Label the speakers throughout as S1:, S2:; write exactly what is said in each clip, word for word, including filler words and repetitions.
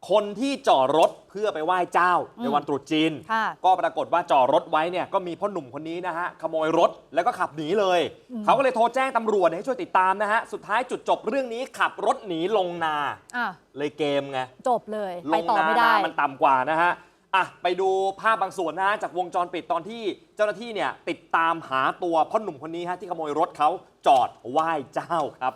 S1: คนที่จอดรถเพื่อไปไหว้เจ้าในวันตรุษจีนก็ปรากฏว่าจอดรถไว้เนี่ยก็มีพ่อหนุ่มคนนี้นะฮะขโมยรถแล้วก็ขับหนีเลยเขาก็เลยโทรแจ้งตำรวจให้ช่วยติดตามนะฮะสุดท้ายจุดจบเรื่องนี้ขับรถหนีลงนาเลยเกมไง
S2: จบเลยไปต่อไม่ได้
S1: มันต่ำกว่านะฮะอ่ะไปดูภาพบางส่วนนะฮะจากวงจรปิดตอนที่เจ้าหน้าที่เนี่ยติดตามหาตัวพ่อหนุ่มคนนี้ฮะที่ขโมยรถเขาจอดไหว้เจ้าครับ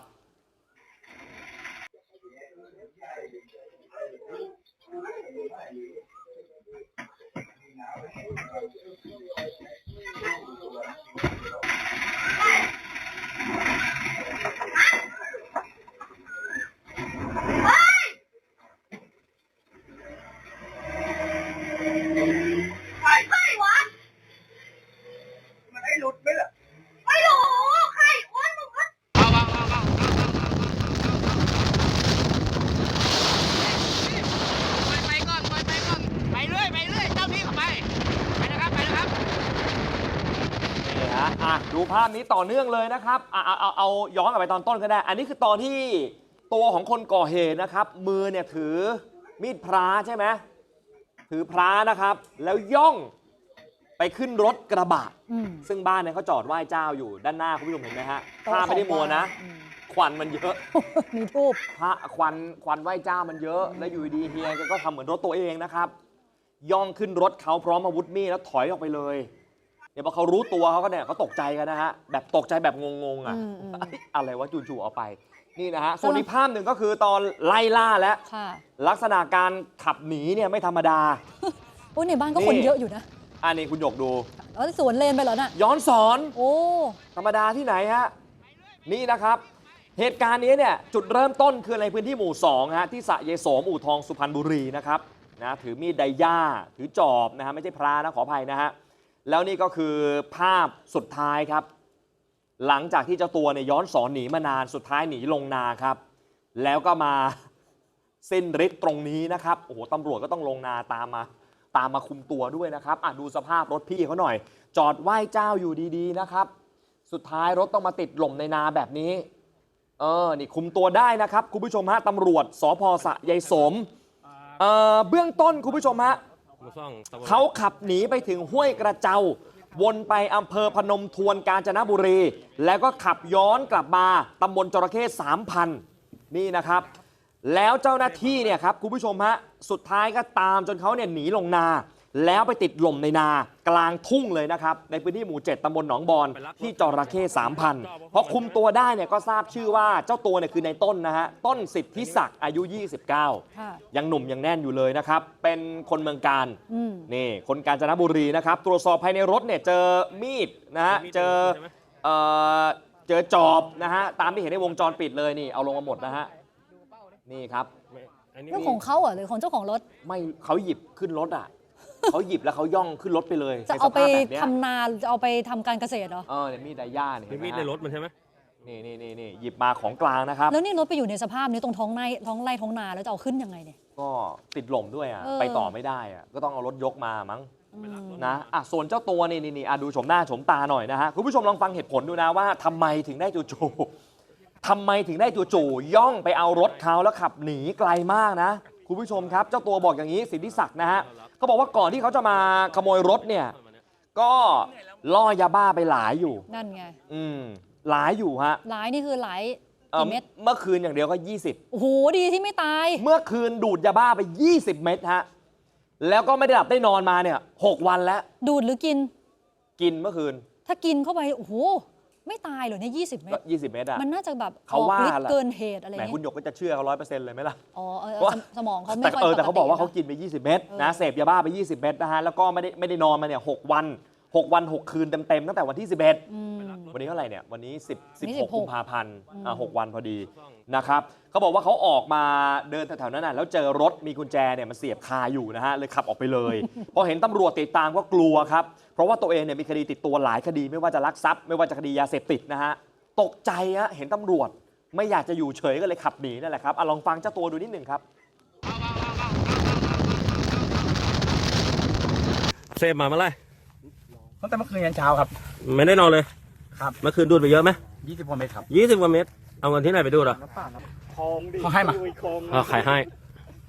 S1: ดูภาพนี้ต่อเนื่องเลยนะครับเอาเอาเอาย้อนกลับไปตอนต้นก็ได้อันนี้คือตอนที่ตัวของคนก่อเหตุนะครับมือเนี่ยถือมีดพระใช่ไหมถือพระนะครับแล้วย่องไปขึ้นรถกระบะซึ่งบ้านเนี่ยเขาจอดไหว้เจ้าอยู่ด้านหน้าคุณผู้ชมเห็นไหมฮะภาพไม่ได้มัวนะควันมันเยอะ
S2: มีทูบ
S1: พระควันควันไหว้เจ้ามันเยอะแล้วอยู่ดีเฮียก็ทำเหมือนรถตัวเองนะครับย่องขึ้นรถเขาพร้อมอาวุธมีดแล้วถอยออกไปเลยเดี๋ยวพอเขารู้ตัวเขาก็เนี่ยเขาตกใจกันนะฮะแบบตกใจแบบงงๆอ่ะอะไรวะจู่ๆเอาไปนี่นะฮะส่วนอีกภาพหนึ่งก็คือตอนไล่ล่าแล้วลักษณะการขับหนีเนี่ยไม่ธรรมดา
S2: โอ้ในบ้านก็คนเยอะอยู่นะ
S1: อันนี้คุณหยกดู
S2: อ๋อสวนเลนไปเหรอน่ะ
S1: ย้อนสอน
S2: โอ้
S1: ธรรมดาที่ไหนฮะนี่นะครับเหตุการณ์นี้เนี่ยจุดเริ่มต้นคือในพื้นที่หมู่สองฮะที่สระเยโสมอู่ทองสุพรรณบุรีนะครับนะถือมีดไดย่าถือจอบนะฮะไม่ใช่พระนะขออภัยนะฮะแล้วนี่ก็คือภาพสุดท้ายครับหลังจากที่เจ้าตัวเนี่ยย้อนสอนหนีมานานสุดท้ายหนีลงนาครับแล้วก็มาสิ้นฤทธิ์ตรงนี้นะครับโอ้โหตำรวจก็ต้องลงนาตามมาตามมาคุมตัวด้วยนะครับอ่ะดูสภาพรถพี่เขาหน่อยจอดไหว้เจ้าอยู่ดีๆนะครับสุดท้ายรถต้องมาติดหล่มในนาแบบนี้เออนี่คุมตัวได้นะครับคุณผู้ชมฮะตำรวจสภ.สระยายสมเอ่อเบื้องต้นคุณผู้ชมฮะเขาขับหนีไปถึงห้วยกระเจ้าวนไปอำเภอพนมทวนกาญจนบุรีแล้วก็ขับย้อนกลับมาตำบลจระเข้สามพันนี่นะครับแล้วเจ้าหน้าที่เนี่ยครับคุณผู้ชมฮะสุดท้ายก็ตามจนเขาเนี่ยหนีลงนาแล้วไปติดหล่มในนากลางทุ่งเลยนะครับในพื้นที่หมู่เจ็ดตำบลหนองบอนที่จระเข้สามพันพอคุมตัวได้เนี่ยก็ทราบชื่อว่าเจ้าตัวเนี่ยคือในต้นนะฮะต้นสิทธิศักดิ์อายุยี่สิบเก้ายังหนุ่มยังแน่นอยู่เลยนะครับเป็นคนเมืองกาญนี่คนกาญจนบุรีนะครับตรวจสอบภายในรถเนี่ยเจอมีดนะฮะเจอเอ่อเจอจอบนะฮะตามที่เห็นในวงจรปิดเลยนี่เอาลงมาหมดนะฮะนี่ครับ
S2: เรื่องของเขาเหรอหรือของเจ้าของรถ
S1: ไม่เขาหยิบขึ้นรถอ่ะเขาหยิบแล้วเขาย่องขึ้นรถไปเลย
S2: จะเอาไปทำนาหรือจะเอาไปทำการเกษตรเหรอ
S1: เออเนี่ยมีดไดย่าเนี่ย
S3: มีดในรถมันใช่ไหม
S1: นี่นี่นี่นี่หยิบมาของกลางนะครับ
S2: แล้วนี่รถไปอยู่ในสภาพนี้ตรงท้องไร่ท้องไร่ท้องนาแล้วจะเอาขึ้นยังไงเนี่ย
S1: ก็ติดหล่มด้วยอ่ะไปต่อไม่ได้อ่ะก็ต้องเอารถยกมามั้งนะอ่ะส่วนเจ้าตัวนี่นี่นี่อ่ะดูชมหน้าชมตาหน่อยนะฮะคุณผู้ชมลองฟังเหตุผลดูนะว่าทำไมถึงได้จู่ๆทำไมถึงได้จู่ๆย่องไปเอารถเขาแล้วขับหนีไกลมากนะคุณผู้ชมครับเจ้าตัวบอกอย่างนี้สิทธิศักดิ์นะฮะเขาบอกว่าก่อนที่เขาจะมาขโมยรถเนี่ยก็ล่อยาบ้าไปหลายอยู่
S2: นั่นไง
S1: อืมหลายอยู่ฮะ
S2: หลายนี่คือหลายกี่เม็ด
S1: เมื่อคืนอย่างเดียวก็ยี่สิบ
S2: โอ้โหดีที่ไม่ตาย
S1: เมื่อคืนดูดยาบ้าไปยี่สิบเม็ดฮะแล้วก็ไม่ได้หลับได้นอนมาเนี่ยหกวันแล้ว
S2: ดูดหรือกิน
S1: กินเมื่อคืน
S2: ถ้ากินเข้าไปโอ้โหไม่ตายเหรอเนี่ยยี่สิบเม็ด
S1: ยี่สิบเม็ดอะ
S2: มันน่าจะแบบเขาว่าเกินเหตุอะไรอย่าง
S1: เงี้ยคุณหยกก็จะเชื่อเขาร้อยเปอร์เซ็นต์เลยไหมล่ะ
S2: อ๋อสมองเขาไม่ค่อยปกติ
S1: แต่เขาบอกว่าเขากินไปยี่สิบเม็ดนะเสพยาบ้าไปยี่สิบเม็ดนะฮะแล้วก็ไม่ได้ไม่ได้นอนมาเนี่ยหกวันหกวันหกคืนเต็มๆตั้งแต่วันที่สิบเอ็ดวันนี้เท่าไหร่เนี่ยวันนี้สิบ สิบหกกุมภาพันธ์อ่าหกวันพอดีนะครับเขาบอกว่าเขาออกมาเดินแถวๆนั้นน่ะแล้วเจอรถมีกุญแจเนี่ยมันเสียบคาอยู่นะฮะเลยขับออกไปเลยพอเห็นตำรวจติดตามก็กลัวครับเพราะว่าตัวเองเนี่ยมีคดีติดตัวหลายคดีไม่ว่าจะลักทรัพย์ไม่ว่าจะคดียาเสพติดนะฮะตกใจฮะเห็นตำรวจไม่อยากจะอยู่เฉยก็เลยขับหนีนั่นแหละครับลองฟังเจ้าตัวดูนิดหนึ่งครับ
S3: เสพมาเมื่อไร
S4: ตั้งแต่เมื่อคืนยันเช้าครับ
S3: ไม่ได้นอนเลย
S4: ครับ
S3: เมื่อคืนดูดไปเยอะไหม
S4: ยี่สิบกว่าเมตรครับ
S3: ยี่สิบกว่าเมตรเอาเงินที่ไหนไปดูดอ่ะ
S4: เขาให้มา
S3: อ๋อขายให้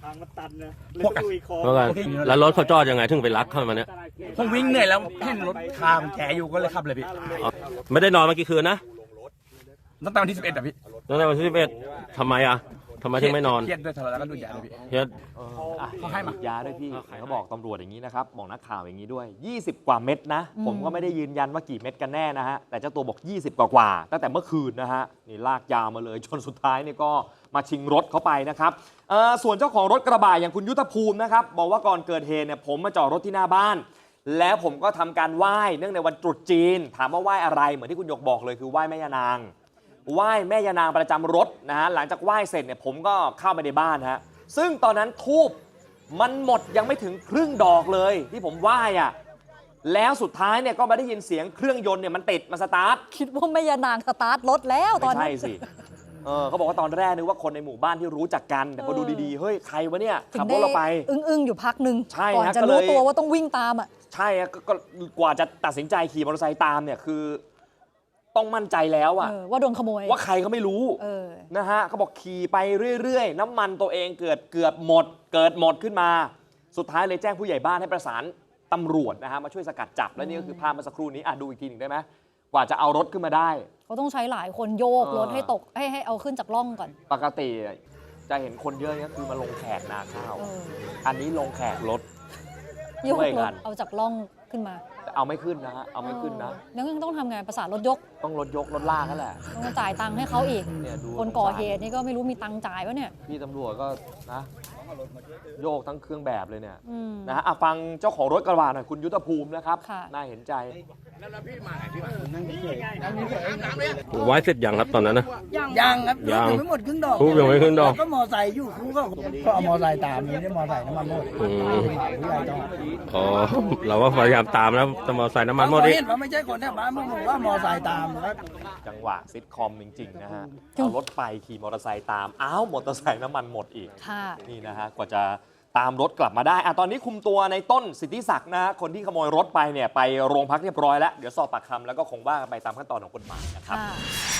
S4: พวก
S3: แล้วกันแล้วรถเขาจอดยังไงถึงไปลักเข้ามาเนี่ย
S4: ผมวิ่งเหนื่อยแล้วเห็นรถคามันแฉอยู่ก็เลยขับเลยพี่
S3: อ๋อไม่ได้นอนมากี่คืนนะ
S4: ตั้งแต่วันที่สิบเอ็ดอะพี่
S3: ตั้งแต่วันที่สิบเอ็ดทำไมอ่ะทำไมถึงไม่นอน
S4: เครียดด้วยทะเลาะแล้วก็ดูดยาเลยพี่
S3: เฮีย
S1: เอออ่ะ
S4: เขาให้มา
S1: ฉีดยาด้วยพี่เขาบอกตำรวจอย่างนี้นะครับ บอกนักข่าวอย่างนี้ด้วย ยี่สิบ กว่าเม็ดนะ ผมก็ไม่ได้ยืนยันว่ากี่เม็ดกันแน่นะฮะ แต่เจ้าตัวบอก ยี่สิบ กว่ากว่าๆตั้งแต่เมื่อคืนนะฮะ นี่ลากยาวมาเลย จนสุดท้ายเนี่ยก็มาชิงรถเขาไปนะครับเอ่อส่วนเจ้าของรถกระบะอย่างคุณยุทธภูมินะครับ บอกว่าก่อนเกิดเหตุเนี่ยผมมาจอดรถที่หน้าบ้าน แล้วผมก็ทำการไหว้เนื่องในวันตรุษจีน ถามว่าไหว้อะไรเหมือนที่คุณหยกบอกเลยคือไหว้แม่ยานาง ไหว้แม่ยานางประจำรถนะฮะหลังจากไหว้เสร็จเนี่ยผมก็เข้าไปในบ้านฮะซึ่งตอนนั้นทูบมันหมดยังไม่ถึงครึ่งดอกเลยที่ผมไหว้อะแล้วสุดท้ายเนี่ยก็มาได้ยินเสียงเครื่องยนต์เนี่ยมันติดมาสตาร์ท
S2: คิดว่าแม่ยานางสตาร์ทรถแล้วตอ
S1: ไม่
S2: น
S1: ใช่
S2: นั้น
S1: สิเออเขาบอกว่าตอนแรกนึกว่าคนในหมู่บ้านที่รู้จักกันแต่พอดูดีๆเฮ้ยใครวะเนี่ย
S2: ถึ
S1: ขับ
S2: ง
S1: ร
S2: ได้
S1: ถเราไป
S2: อึ้งๆ อยู่พักหนึ่ง
S1: ใช่
S2: ก่อน
S1: ฮะ
S2: จะ
S1: ก็เลย
S2: รู้ตัวว่าต้องวิ่งตามอ่ะ
S1: ใช่อะก็ก็กว่าจะตัดสินใจขี่มอเตอร์ไซค์ตามเนี่ยคือต้องมั่นใจแล้วอะ
S2: เออว่าโดนขโมย
S1: ว่าใครก็ไม่รู้
S2: เออ
S1: นะฮะเขาบอกขี่ไปเรื่อยๆ น้ำมันตัวเองเกิดเกือบหมด เกิดหมดขึ้นมา สุดท้ายเลยแจ้งผู้ใหญ่บ้านให้ประสานตำรวจนะฮะมาช่วยสกัดจับ และนี่ก็คือภาพเมื่อสักครู่นี้อ่ะดูอีกทีหนึ่งได้ไหมกว่าจะเอารถขึ้นมาได้
S2: เขาต้องใช้หลายคนโยก
S1: เออ
S2: รถให้ตกให้ให้เอาขึ้นจากร่องก่อน
S1: ปกติจะเห็นคนเยอะเนี่ยคือมาลงแขกนาข้าว
S2: เออ
S1: อันนี้ลงแขกรถ
S2: โยก
S1: ช่วย
S2: ร
S1: กั
S2: ถ
S1: น
S2: เอาจากร่องขึ้นมา
S1: แต่เอาไม่ขึ้นนะฮะเอาไม่ขึ้นนะ
S2: เออแล้วยังต้องทำไงประสานรถยก
S1: ต้องรถยกรถลากนั่นแหละ
S2: ต้องมาจ่ายตังค์ให้เขาอีก
S1: เนี่ยดู
S2: คนก่อเหตุนี่ก็ไม่รู้มีตังค์จ่ายวะเนี่ย
S1: พี่ตำรวจก็นะโยกทั้งเครื่องแบบเลยเนี่ย
S2: อืม
S1: นะฮะอ่ะฟังเจ้าของรถกระบะหน่อยคุณยุทธภูมินะครับ
S2: ค่ะ
S1: น่าเห็นใจ
S3: ไว้เสร็จยังครับตอนนั้นนะ
S5: ยังครับ
S3: ยัง
S5: ไม่หมดครึ่งดอก
S3: ทูบยังไม่ขึ้นดอก
S5: ก็มอไซค์อยู่ครูก็ก็เอามอไซค์ตามนี่ได้มอไซค์น้ำมันหมด
S3: อืม
S5: ผู้ใหญ่ต้อง
S3: อ๋อเราก็พยายามตามแล้วแต่มอเตอร์ไซค์น้ำมันหมด
S5: พอ
S3: อีก
S5: เห็นว่าไม่ใช่คนแถวบ้านมึงบอกว่ามอไซค์ตามนะครับ
S1: จังหวะซิทคอมจริง ๆ นะฮะ เอารถไปขี่มอเตอร์ไซค์ตาม อ้าว มอเตอร์ไซค์น้ำมันหมดอีก
S2: ค่ะ
S1: นี่นะฮะ กว่าจะตามรถกลับมาได้อ่ะตอนนี้คุมตัวในต้นสิทธิศักดิ์นะฮะคนที่ขโมยรถไปเนี่ย ไปโรงพักเรียบร้อยแล้ว เดี๋ยวสอบปากคำแล้วก็คงว่ากันไปตามขั้นตอนของกฎหมายนะครับ
S2: ค่ะ